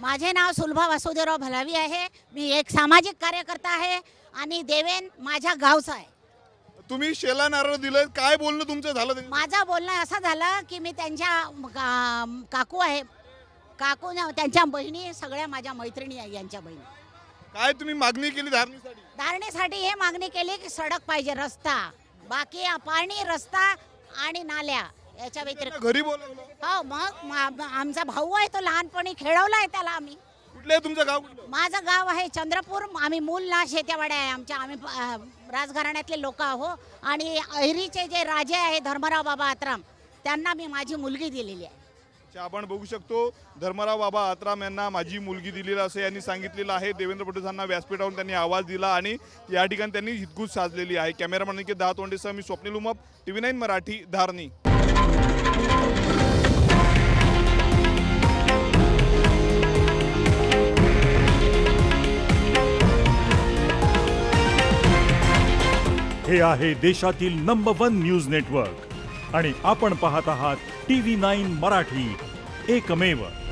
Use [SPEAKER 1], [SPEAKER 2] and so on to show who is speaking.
[SPEAKER 1] माझे नाव सुलभा वासुदेवराव भलावी आहे. मी एक सामाजिक कार्यकर्ता आहे आणि देवेन माझ्या गावचा आहे.
[SPEAKER 2] तुम्ही शेला नारळ दिलं, काय बोलणं तुमचं झालं त्याच्यात?
[SPEAKER 1] माझं बोलणं असं झालं की मी त्यांच्या काकू आहे, काकू त्यांच्या बहिणी सगळ्या माझ्या मैत्रिणी आहे. यांच्या बहिणी
[SPEAKER 2] काय तुम्ही मागणी केली धारणीसाठी?
[SPEAKER 1] धारणेसाठी हे मागणी केली की सडक पाहिजे, रस्ता, बाकी पाणी, रस्ता आणि नाल्या याच्या व्यतिरिक्त.
[SPEAKER 2] घरी बोलावलं?
[SPEAKER 1] हो, मग आमचा भाऊ आहे, तो लहानपणी खेळवला आहे त्याला आम्ही.
[SPEAKER 2] कुठलं आहे तुमचं गाव? कुठलं?
[SPEAKER 1] माझं गाव आहे चंद्रपूर. आम्ही मूल ना शेत्यावाड्या आहे आमच्या. आम्ही राजघराण्यातले लोक आहो आणि अहिरीचे जे राजे आहे धर्मराव बाबा आत्राम, त्यांना मी माझी मुलगी दिलेली आहे.
[SPEAKER 2] आपण बघू शकतो धर्मराव बाबा आत्राम यांना माझी मुलगी दिलेला असं यांनी सांगितलेलं आहे. देवेंद्र फडणवीसांना व्यासपीठावरून त्यांनी आवाज दिला आणि या ठिकाणी त्यांनी हितगुज साधलेली आहे. कॅमेरामॅन निकेत दहातोंडेसह मी स्वप्नील उमप, TV9 मराठी, धारणी.
[SPEAKER 3] हे आहे देशातील नंबर 1 न्यूज नेटवर्क आणि आपण पाहत आहात TV9 मराठी, एकमेव.